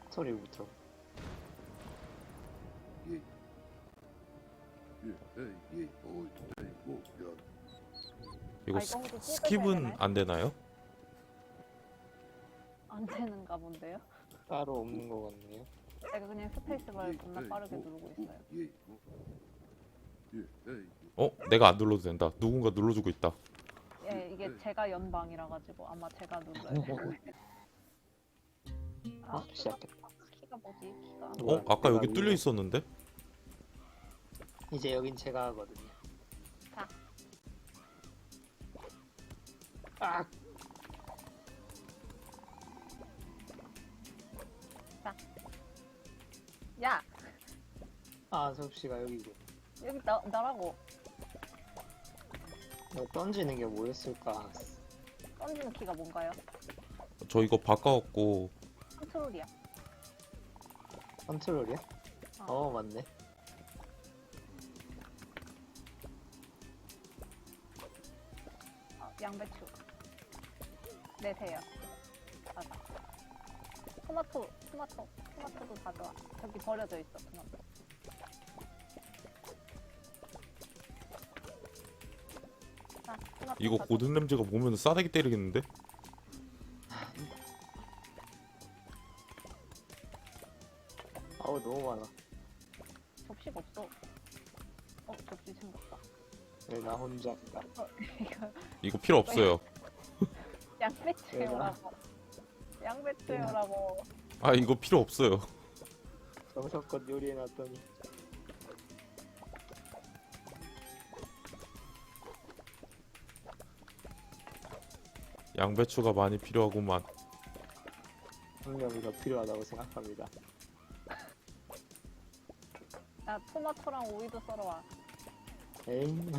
소리부터. 이거 이거 혹시 찍으셔야 스킵은 되나요? 안 되나요? 안 되는가 본데요? 따로 없는 것 같네요. 제가 그냥 스페이스바를 겁나 빠르게 누르고 있어요. 내가 안 눌러도 된다. 누군가 눌러주고 있다. 예, 이게 제가 연방이라 가지고 아마 제가 눌러야 돼요. 아, 시작했다. 키가 뭐지? 키가. 아까 여기 뚫려 있었는데? 이제 여긴 제가 하거든요. 자. 아! 야, 아, 접시가 여기고. 여기 나라고. 이거 던지는 게 뭐였을까? 던지는 키가 뭔가요? 저 이거 바꿔갖고 컨트롤이야. 컨트롤이야? 맞네. 양배추. 네, 돼요. 맞아. 토마토도 가져와. 저기 버려져 있어, 토마토. 자, 토마토 이거 가져와. 고든 램즈가 보면 싸대기 때리겠는데? 아우, 너무 많아. 접시가 없어. 접시 생겼다. 왜 나 혼자 있다. 이거 이거 필요 없어요. 양배추요라고. 양배추요라고. 아 이거 필요 없어요. 정성껏 요리해놨더니. 양배추가 많이 필요하구만. 분명히 더 필요하다고 생각합니다. 야, 토마토랑 오이도 썰어와. 에잉.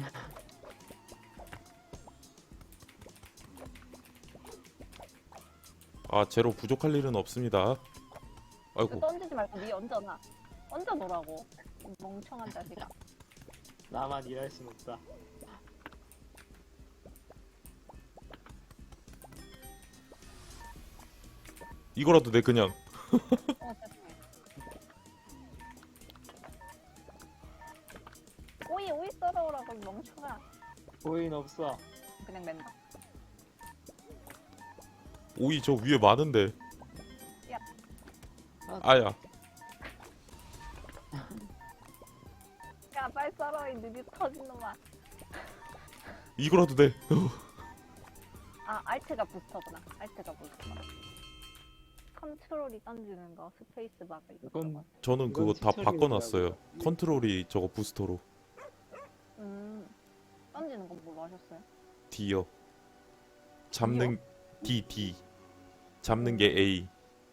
재료 부족할 일은 없습니다. 이거 아이고 던지지 말고 니 얹어놔. 얹어놓으라고. 멍청한 자식아. 나만 일할 순 없다. 이거라도 내 그냥 죄송해. 오이 썰어오라고, 이 멍청아. 보인 없어. 그냥 맨다. 오이 저 위에 많은데. 야. 아야 야, 빨리 썰어, 이 느리 터진 놈아. 이거라도 돼. 알트가 부스터구나. 알트가 부스터. 컨트롤이 던지는 거, 스페이스 바가 있어. 이건 저는 그거 다 튜토리얼이라고. 바꿔놨어요. 컨트롤이 저거 부스터로 던지는 건 뭘로 하셨어요? D요. 잡는 D. 잡는 게 A.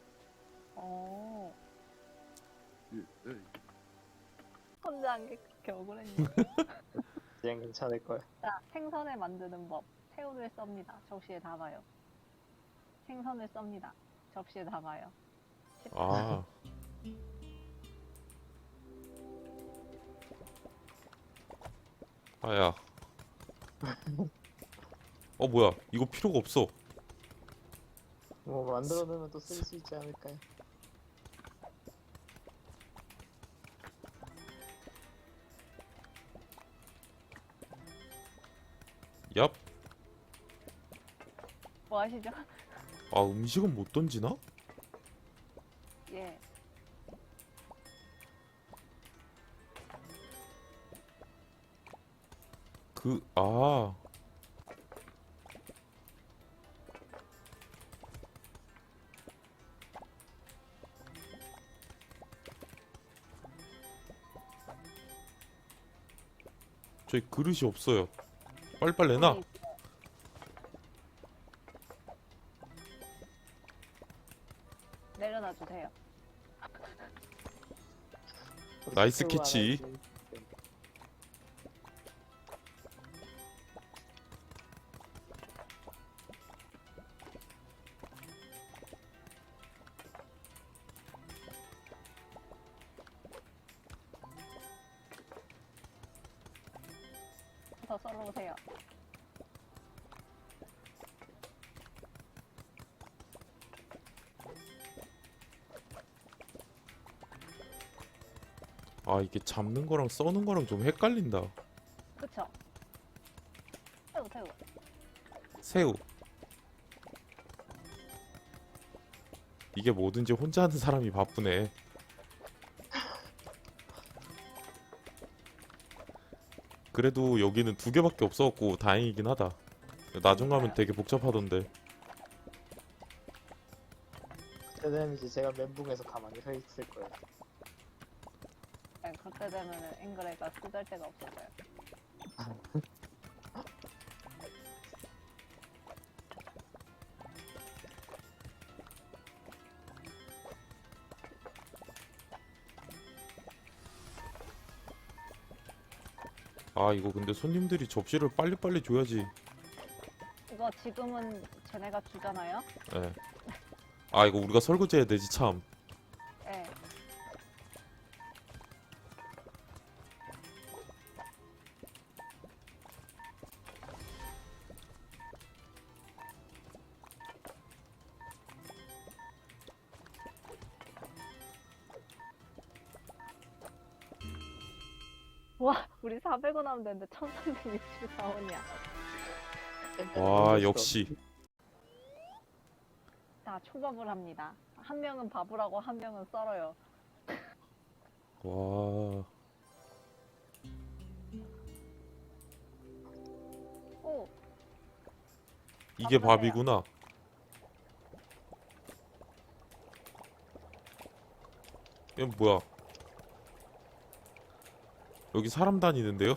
혼자 한 게 그렇게 억울했니? 그냥 괜찮을 거야. 자, 생선을 만드는 법. 새우를 썹니다. 접시에 담아요. 생선을 썹니다. 접시에 담아요. 아. 아야. 뭐야? 이거 필요가 없어. 뭐 만들어 놓으면 또 쓸 수 있지 않을까요? 얍. 뭐 하시죠? 음식은 못 던지나? 예. 저희 그릇이 없어요. 빨리빨리 내놔. 여기 내려놔 주세요. 나이스 캐치. 더 썰어 오세요. 아, 이게 잡는 거랑 써는 거랑 좀 헷갈린다. 그쵸? 새우, 새우. 새우. 이게 뭐든지 혼자 하는 사람이 바쁘네. 그래도 여기는 2개밖에 없어갖고 다행이긴 하다. 나중 가면 되게 복잡하던데. 그때 되면 이제 제가 멘붕에서 가만히 서 있을 거예요. 네, 그때 되면은 앵그레가 쓰잘데가 없어져요. 아, 이거 근데 손님들이 접시를 빨리빨리 줘야지. 이거 지금은 쟤네가 주잖아요? 예. 아, 이거 우리가 설거지 해야 되지, 참. 네. 와, 우리 400원 하면 되는데 1364원이야. 와, 역시. 자, 초밥을 합니다. 한 명은 밥을 하고 한 명은 썰어요. 와. 오, 이게 밥이구나. 이건 뭐야? 여기 사람 다니는데요?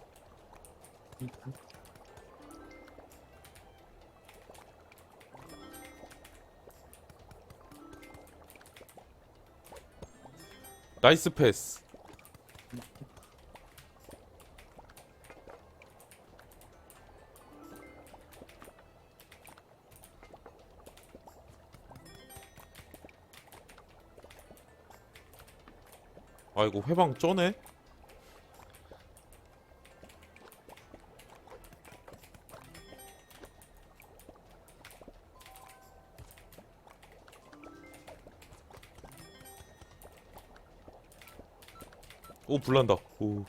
나이스 패스. 아, 이거 회방 쩌네? 오, 불난다. 오.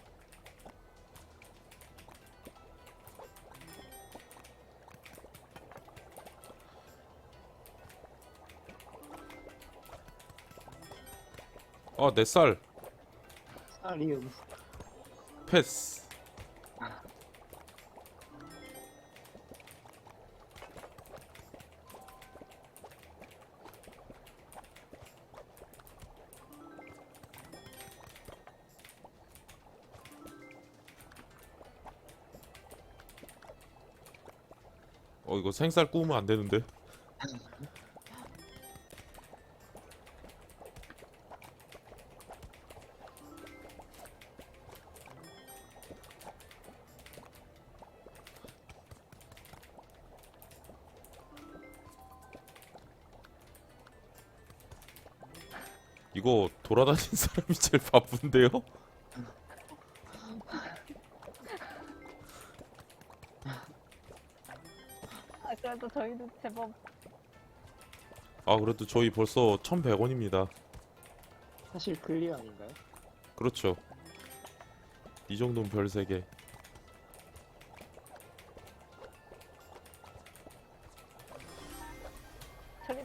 아, 내 쌀. 사리움. 패스. 이거 생쌀 구우면 안 되는데. 이거 돌아다니는 사람이 제일 바쁜데요? 아, 그래도 저희도 제법 아, 그래도 저희 벌써 1100원입니다. 사실 클리어 아닌가요? 그렇죠. 이 정도면 별 3개. 저기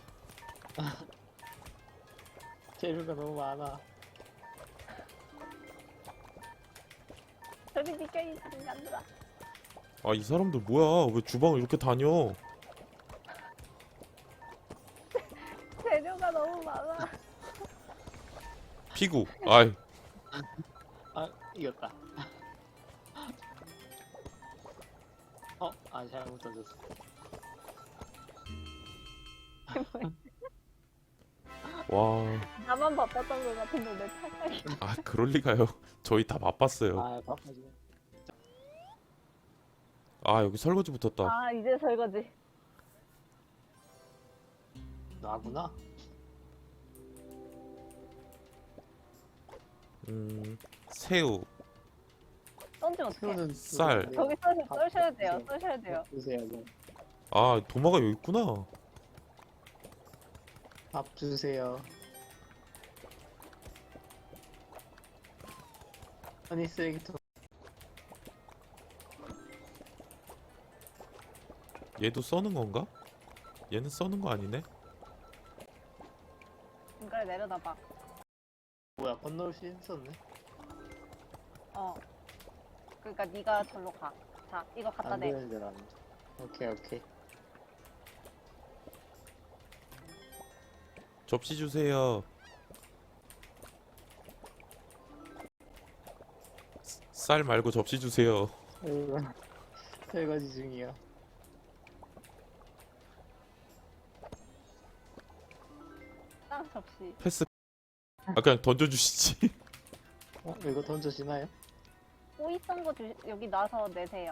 재료가 너무 많아. 저리 비켜 이 인간들아. 아, 이 사람들 뭐야? 왜 주방을 이렇게 다녀? 재료가 너무 많아. 피구. 아이, 아, 이겼다. 아, 잘못 던졌어. 와. 나만 바빴던 것 같은데 내 탈락이. 아, 그럴 리가요. 저희 다 바빴어요. 아, 바빠지네. 아, 여기 설거지 붙었다. 아, 이제 설거지. 나구나. 새우, 던지면 어떡해. 새우는 쌀. 저기 써셔야 돼요. 써셔야 돼요. 주세요. 네. 아, 도마가 여기 있구나. 밥 주세요. 아니 쓰레기통. 얘도 써는 건가? 얘는 써는 거 아니네? 이걸 내려다봐. 뭐야 건너올 수 있었네. 어. 그러니까 네가 절로 가. 자, 이거 갖다 안 대. 되는 줄 알았는데. 오케이 오케이. 접시 주세요. 쌀 말고 접시 주세요. 아이고, 설거지 중이야. 땅 접시. 패스. 아 그냥 던져주시지. 이거 던져지나요? 오이 썬 거 여기 놔서 내세요.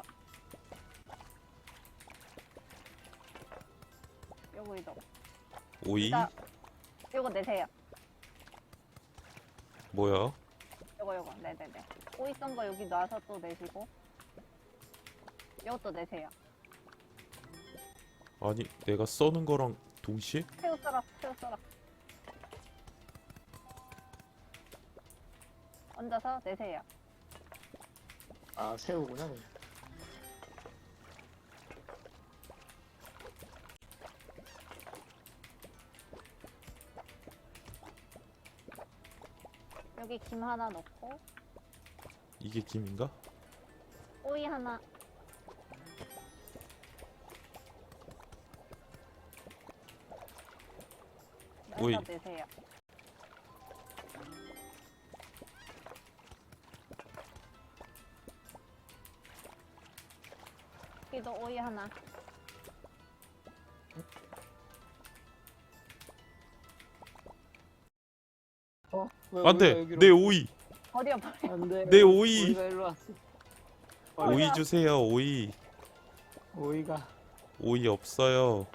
요거 이거. 오이? 요거 내세요. 뭐야? 요거. 네네네. 오이 썬 거 여기 놔서 또 내시고. 요것도 내세요. 아니 내가 써는 거랑 동시에? 새우 썰어. 얹어서 내세요. 아 새우구나. 여기 김 하나 넣고 이게 김인가? 오이 하나. 오이. 넣어서 내세요. 여기도 오이 하나. 왜 안돼 오이가 여기로 내 왔어? 오이. 버려. 안돼. 내 오이. 오이가 일로 왔어. 오이 주세요 오이. 오이가. 오이 없어요.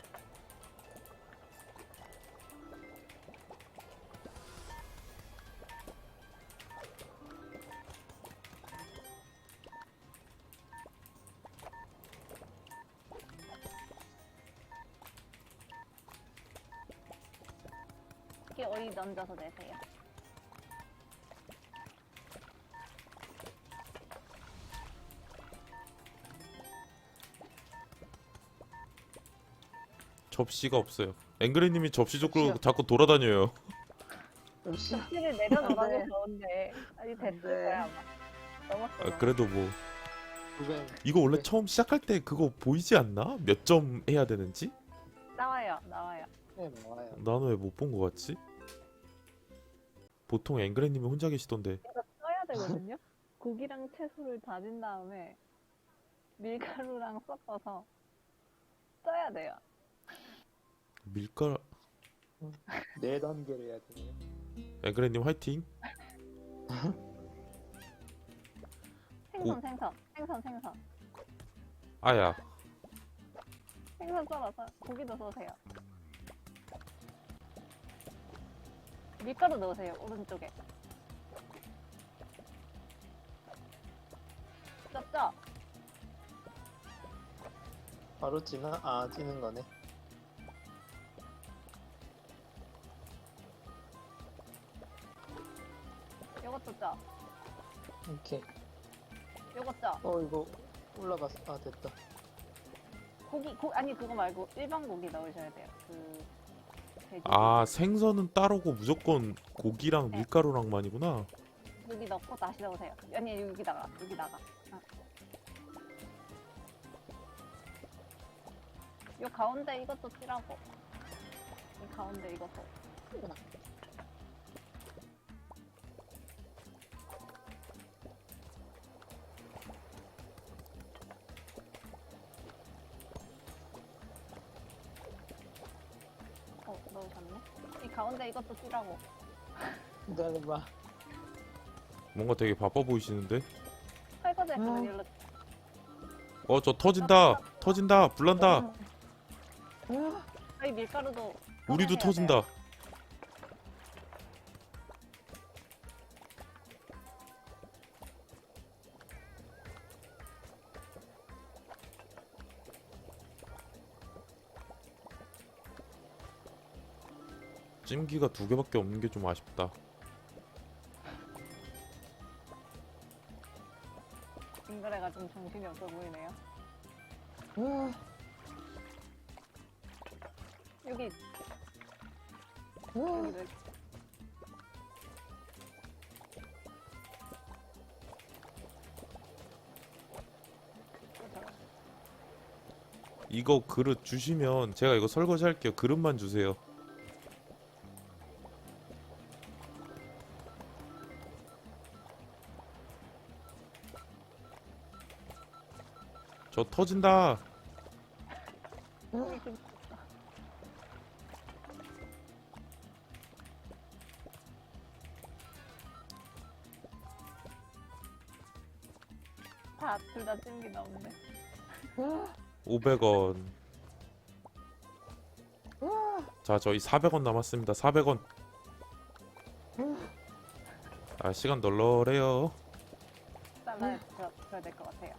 여기 오이 얹어서 내세요. 접시가 없어요. 앵그레님이 접시 줬고 접시야. 자꾸 돌아다녀요. 역시. 접시를 내려놓으라고 안 돼. 좋은데 아니 됐을 안 돼. 거야 아마. 넘었어. 아, 그래도 뭐 그건 이거 원래 네. 처음 시작할 때 그거 보이지 않나? 몇 점 해야 되는지? 나와요. 네 나와요. 나는 왜 못 본 거 같지? 보통 앵그레님이 혼자 계시던데. 이거 써야 되거든요. 고기랑 채소를 다진 다음에 밀가루랑 섞어서 써야 돼요. 밀가루. 네 단계를 해야 되네요. 앵그레님 화이팅. 생선. 아야. 생선 썰어서 고기도 써세요. 밀가루 넣으세요. 오른쪽에. 짭죠? 바로 찌는 거네. 요것도 짜. 오케이. 요거 짜. 이거 올라갔어. 아 됐다. 아니 그거 말고 일반 고기 넣으셔야 돼요. 그 돼지 아 생선은 따로고 무조건 고기랑 네. 밀가루랑만이구나. 고기 넣고 다시 넣으세요. 아니 여기다가. 아. 요 가운데 이것도 찌라고. 이 가운데 이것도. 넣으셨네. 이 가운데 이것도 찌라고. 기다려봐. 뭔가 되게 바빠 보이시는데? 설거지 했으면 일로. 저 터진다 불난다. 저희 밀가루도. 우리도 꺼내셔야 터진다. 돼요. 찜기가 2개밖에 없는 게 좀 아쉽다. 그래가 좀 정신이 없어 보이네요. 으아, 여기 으아. 여기 이거 그릇 주시면 제가 이거 설거지 할게요. 그릇만 주세요. 저 터진다. 여기 좀 둘 다 찜기 나오는데. 500원. 자, 저희 400원 남았습니다. 400원. 아, 시간 널널해요. 잘라야 될 것 같아요.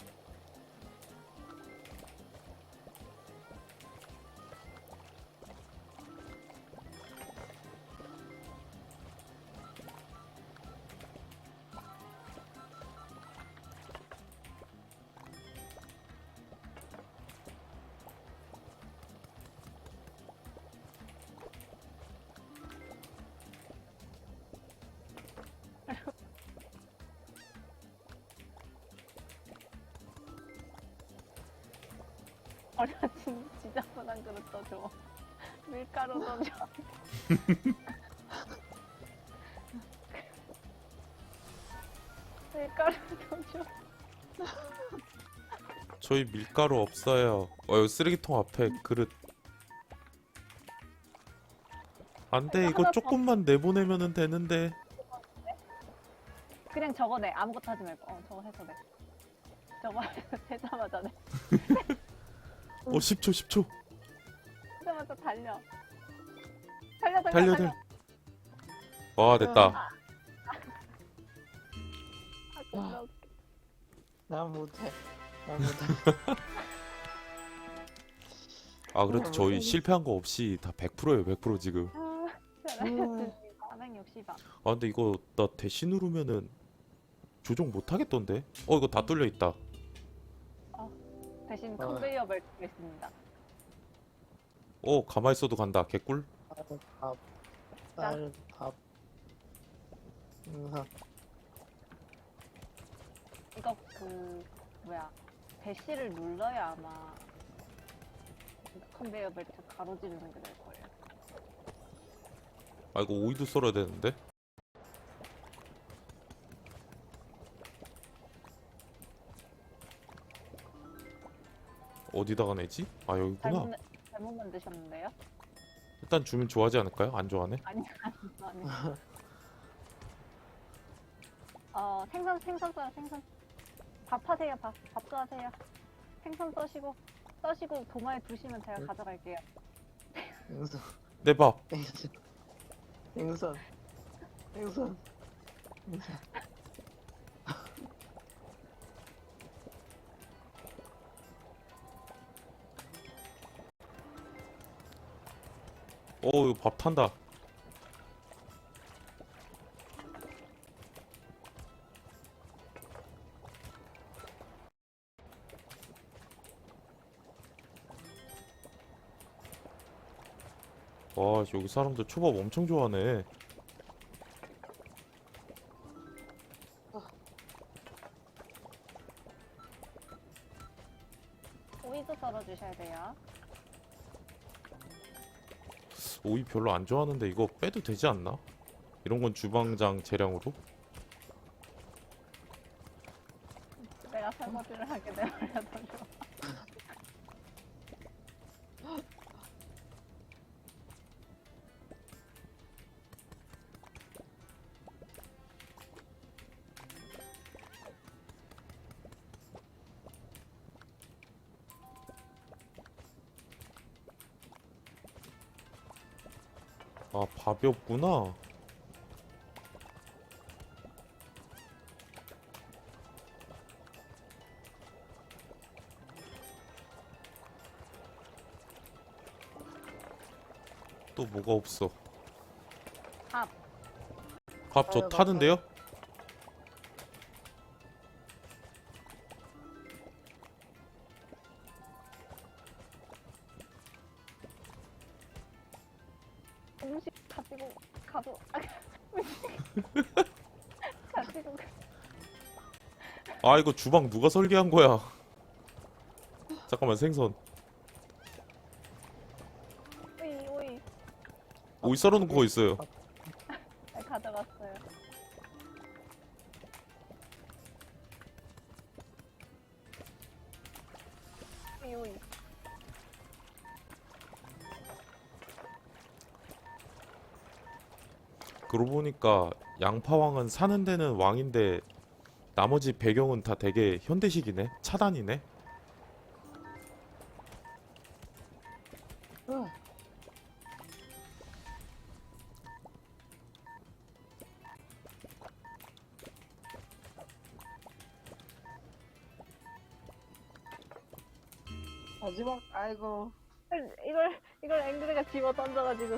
어려진 지저분한 그릇 떠줘. 밀가루 떠줘. 밀가루 떠줘. 저희 밀가루 없어요. 여기 쓰레기통 앞에 그릇. 안 돼, 이거 조금만 내보내면 되는데. 그냥 저거 내. 아무것도 하지 말고. 저거 해서 내. 저거 되자마자 내. 10초, 10초. 되자마자 달려. 달려. 와, 됐다. 아, 난 못해. 난 못해. 아, 그래도 저희 실패한 거 없이 다 100%예요, 100% 지금. 잘하셨습니다. 460원. 아, 근데 이거 나 대시 누르면은 조종 못 하겠던데? 이거 다 뚫려 있다. 대신 컨베이어 벨트가 있습니다. 가만히 있어도 간다. 개꿀. 밥. 쌀, 밥. 이거 대시를 눌러야 아마 컨베이어 벨트 가로지르는 게 될 거예요. 아, 이거 오이도 썰어야 되는데? 어디다가 내지? 아, 여기구나. 잘못 만드셨는데요? 일단 주면 좋아하지 않을까요? 안 좋아하네? 아니. 생선 써요, 생선. 밥 하세요, 밥도 하세요. 생선 써시고 도마에 두시면 제가 가져갈게요. 생선. 내 밥. 생선. 생선. 생선. 이거 밥 탄다. 와, 여기 사람들 초밥 엄청 좋아하네. 오이도 썰어주셔야 돼요. 오이 별로 안 좋아하는데 이거 빼도 되지 않나? 이런 건 주방장 재량으로? 내가 설거지를 하게 되어버려서 좋아. 아, 밥이 없구나. 또 뭐가 없어? 밥. 밥 저 타는데요? 가도 가지고 아 이거 주방 누가 설계한 거야? 잠깐만 생선. 오이 오이 오이 썰어놓은 거 있어요. 네, 가져갔어요. 오이 오이 그러고 보니까 양파왕은 사는 데는 왕인데 나머지 배경은 다 되게 현대식이네. 차단이네. 마지막 아이고. 이걸 앵그리가 집어 던져가지고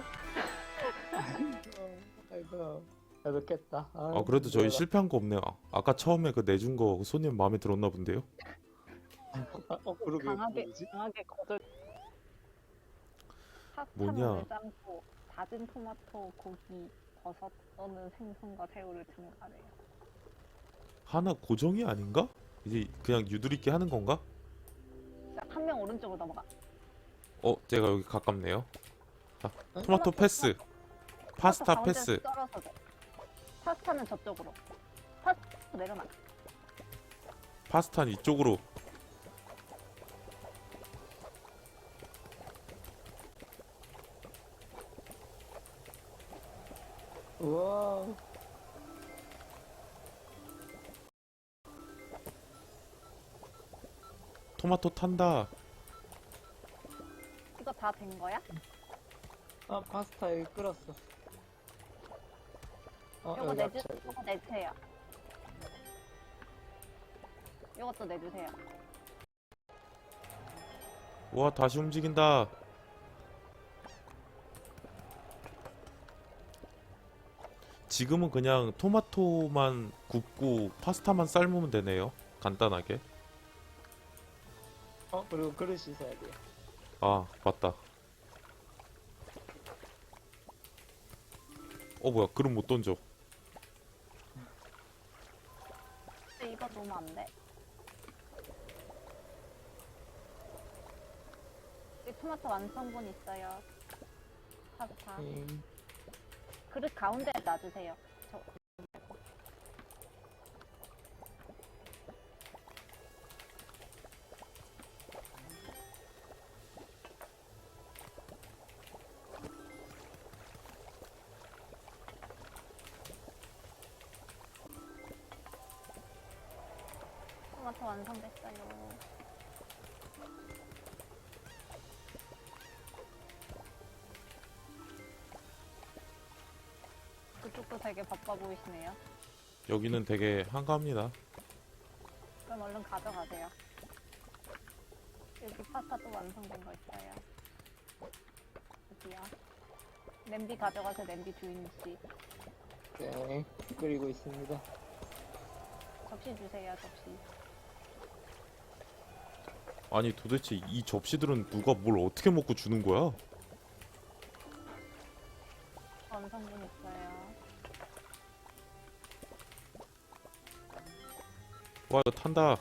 아이고. 나도 깼다. 아 그래도 저희 실패한 거 없네요. 아까 처음에 그 내준 거 손님 마음에 들었나 본데요. 그러게. 강하게 뭐지? 강하게 거절. 뭐냐? 파스타를 삶고 다진 토마토, 고기, 버섯 또는 생선과 새우를 첨가해요. 하나 고정이 아닌가? 이제 그냥 유두리끼 하는 건가? 한 명 오른쪽으로 넘어가. 제가 여기 가깝네요. 자, 토마토 패스. 파스타 가운데로 패스. 썰어서 줘. 파스타는 저쪽으로. 파스타 내려놔. 파스타는 이쪽으로. 우와. 토마토 탄다. 이거 다 된 거야? 아 파스타 여기 끓었어. 요거 여기 내주, 야채. 요거 내주세요. 요것도 내주세요. 와 다시 움직인다. 지금은 그냥 토마토만 굽고 파스타만 삶으면 되네요. 간단하게. 그리고 그릇 씻어야 돼. 아 맞다. 뭐야 그릇 못 던져. 근데 이거 놓으면 안 돼. 여기 토마토 완성본 있어요. 파스타. 그릇 가운데에 놔주세요. 저 말고. 토마토 완성됐어요. 그쪽도 되게 바빠 보이시네요. 여기는 되게 한가합니다. 그럼 얼른 가져가세요. 여기 파스타 또 완성된 거 있어요. 여기요. 냄비 가져가세요, 냄비 주인씨. 네. 끓이고 있습니다. 접시 주세요, 접시. 아니 도대체 이 접시들은 누가 뭘 어떻게 먹고 주는 거야? 완성본 있어요. 와 이거 탄다.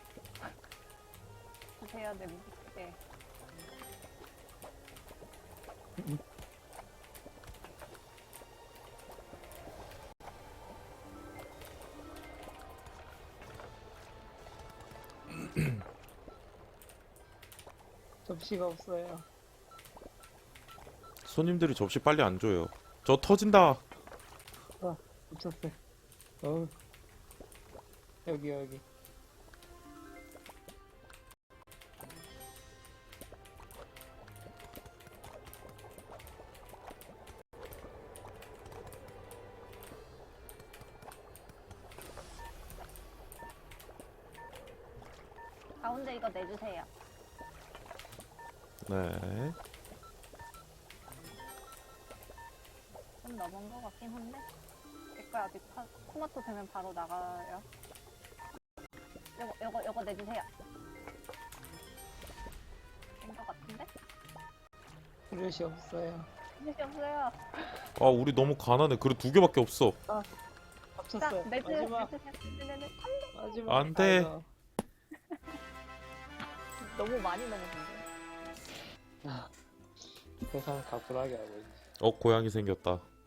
주세요, 냄비. 네. 접시가 없어요. 손님들이 접시 빨리 안 줘요. 저 터진다. 미쳤어요. 여기. 가운데 이거 내주세요. 네. 좀 넘은 거 같긴 한데. 이거 아직 토마토 되면 바로 나가요. 요거 내주세요. 된 거 같은데? 그릇이 없어요. 그릇이 없어요. 아 우리 너무 가난해. 그릇 2개밖에 없어. 자, 합쳤어. 매트, 마지막. 매트, 매트. 마지막. 안 돼. 아이고. 너무 많이 넘었는데. 세상 다 불하게 하고 있지. 고양이 생겼다.